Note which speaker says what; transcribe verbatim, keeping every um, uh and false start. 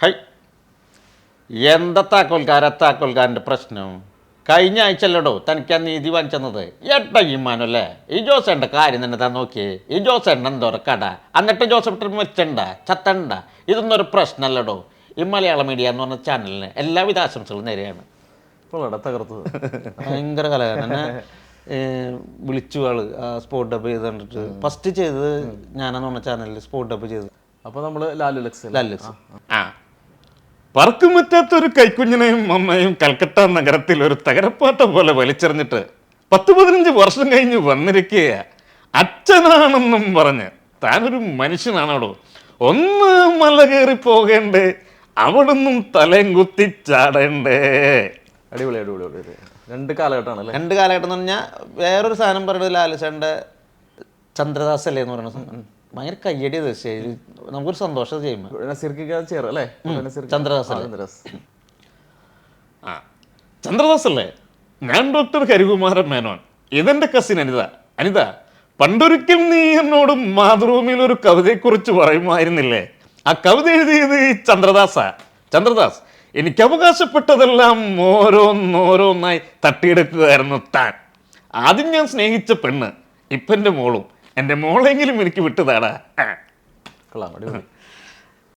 Speaker 1: High, എന്താ താക്കോൽക്കാര താക്കോൽക്കാരൻ്റെ പ്രശ്നം? കഴിഞ്ഞ ആഴ്ചയല്ലടോ തനിക്ക് ആ നീതി വാങ്ങിച്ചെന്നത്. എട്ട ഈമാനല്ലേ ഈ ജോസേൻ്റെ കാര്യം തന്നെ താൻ നോക്കിയേ. ഈ ജോസേണ്ട എന്തോരം കട, എന്നിട്ട് ജോസഫ് വെച്ചണ്ട ചത്തണ്ട. ഇതൊന്നും ഒരു പ്രശ്നമല്ലടോ. ഈ മലയാള മീഡിയ എന്ന് പറഞ്ഞ ചാനലിന് എല്ലാവിധ ആശംസകളും നേരെയാണ്.
Speaker 2: ഇപ്പോൾ തകർത്തത്
Speaker 1: ഭയങ്കര കലാകാരൻ എന്നെ വിളിച്ചു ആള് സ്പോട്ട് ഡബ് ചെയ്ത് കണ്ടിട്ട്. ഫസ്റ്റ് ചെയ്തത് ഞാനെന്ന് പറഞ്ഞ ചാനലിൽ സ്പോട്ട് ഡബ് ചെയ്തത്.
Speaker 2: അപ്പോൾ നമ്മൾ ലാലു ലക്സ്
Speaker 1: ലാലു ലക്സ്
Speaker 3: ആ പറക്കുമറ്റാത്തൊരു കൈക്കുഞ്ഞിനെയും അമ്മയും കൽക്കട്ട നഗരത്തിൽ ഒരു തകരപ്പാട്ട പോലെ വലിച്ചെറിഞ്ഞിട്ട് പത്ത് പതിനഞ്ച് വർഷം കഴിഞ്ഞ് വന്നിരിക്കുക അച്ഛനാണെന്നും പറഞ്ഞ് താനൊരു മനുഷ്യനാണോടോ? ഒന്ന് മല കയറി പോകേണ്ടേ, അവിടുന്നും തലയും കുത്തി ചാടേണ്ടേ.
Speaker 2: അടിപൊളി അടിപൊളി അടിപൊളി രണ്ട് കാലഘട്ടമാണ് അല്ലേ?
Speaker 1: രണ്ട് കാലഘട്ടം എന്ന് പറഞ്ഞാൽ വേറൊരു സാധനം പറയുന്നത് ലാലുസേൻ്റെ ചന്ദ്രദാസ് അല്ലേ എന്ന് പറയുന്നത് ഭയങ്കര കയ്യടി തീർച്ചയായും നമുക്കൊരു സന്തോഷം ചെയ്യുമ്പോൾ.
Speaker 2: നസീർക്ക് ചേർ അല്ലേ?
Speaker 1: ചന്ദ്രദാസ്
Speaker 2: ചന്ദ്രദാസ്
Speaker 3: ആ ചന്ദ്രദാസ് അല്ലേ? ഞാൻ ഡോക്ടർ ഹരികുമാരൻ മേനോൻ. ഇതെന്റെ കസിൻ അനിത. അനിത, പണ്ടൊരിക്കൽ നീ എന്നോട് മാതൃഭൂമിയിൽ ഒരു കവിതയെക്കുറിച്ച് പറയുമായിരുന്നില്ലേ? ആ കവിത എഴുതിയത് ഈ ചന്ദ്രദാസാ. ചന്ദ്രദാസ്, എനിക്ക് അവകാശപ്പെട്ടതെല്ലാം ഓരോന്നോരോന്നായി തട്ടിയെടുക്കുകയായിരുന്നു താൻ. ആദ്യം ഞാൻ സ്നേഹിച്ച പെണ്ണ്, ഇപ്പം എൻ്റെ മോളും. എൻ്റെ മോളെങ്കിലും എനിക്ക് വിട്ടുതാടാ.
Speaker 2: കൊള്ളാം, അടിപൊളി.